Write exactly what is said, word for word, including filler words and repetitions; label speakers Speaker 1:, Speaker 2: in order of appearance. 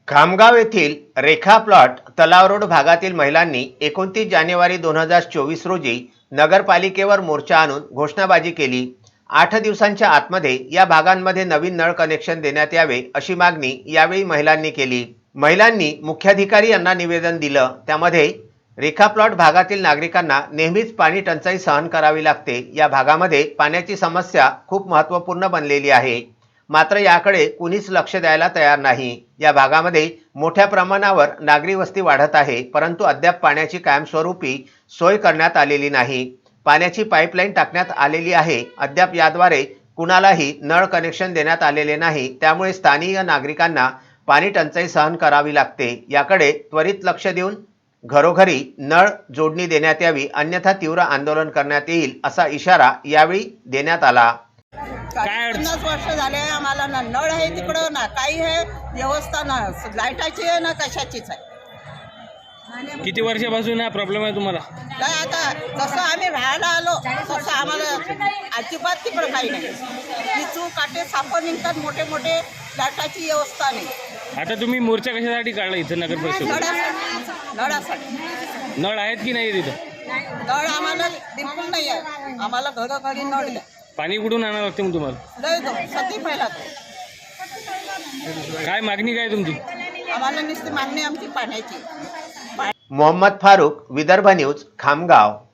Speaker 1: खामगाव येथील रेखा प्लॉट तलाव रोड भागातील महिलांनी एकोणतीस जानेवारी दोन हजार चोवीस रोजी नगरपालिकेवर मोर्चा आणून घोषणाबाजी केली। आठ दिवसांच्या आतमध्ये या भागांमध्ये नवीन नळ कनेक्शन देण्यात यावे अशी मागणी यावेळी महिलांनी केली। महिलांनी मुख्याधिकारी यांना निवेदन दिलं। त्यामध्ये रेखा प्लॉट भागातील नागरिकांना नेहमीच पाणी टंचाई सहन करावी लागते। या भागामध्ये पाण्याची समस्या खूप महत्त्वपूर्ण बनलेली आहे, मात्र याकडे कुणीच लक्ष द्यायला तयार नाही। या भागामध्ये मोठ्या प्रमाणावर नागरी वस्ती वाढत आहे, परंतु अद्याप पाण्याची कायमस्वरूपी सोय करण्यात आलेली नाही। पाण्याची पाईपलाईन टाकण्यात आलेली आहे, अद्याप याद्वारे कुणालाही नळ कनेक्शन देण्यात आलेले नाही। त्यामुळे स्थानिक नागरिकांना पाणी टंचाई सहन करावी लागते। याकडे त्वरित लक्ष देऊन घरोघरी नळ जोडणी देण्यात यावी, अन्यथा तीव्र आंदोलन करण्यात येईल असा इशारा यावेळी देण्यात आला।
Speaker 2: पन्नास वर्ष झाले आम्हाला ना नळ आहे तिकडं, ना काही आहे व्यवस्था, ना लाईटाची आहे ना कशाचीच आहे।
Speaker 3: किती वर्षापासून हा प्रॉब्लेम आहे तुम्हाला?
Speaker 2: काय आता जसं आम्ही राहायला आलो तसं आम्हाला अजिबात तिकडं काही नाही। विचू काटे साप निघतात मोठे मोठे, लाईटाची व्यवस्था नाही।
Speaker 3: आता तुम्ही मोर्चा कशासाठी काढला इथं नगर परिषद?
Speaker 2: नळासाठी नळासाठी
Speaker 3: नळ आहेत की नाही तिथं?
Speaker 2: नळ आम्हाला बिलकुल नाही आहे। आम्हाला घरोघरी नळ द्या।
Speaker 3: पाणी कुठून आणावं लागते मग तुम्हाला?
Speaker 2: लय दो सती पहिला
Speaker 3: काय मागणी काय तुमची?
Speaker 2: आम्हाला नुसती मागणी आमची पाण्याची।
Speaker 1: मोहम्मद फारूक, विदर्भ न्यूज, खामगाव।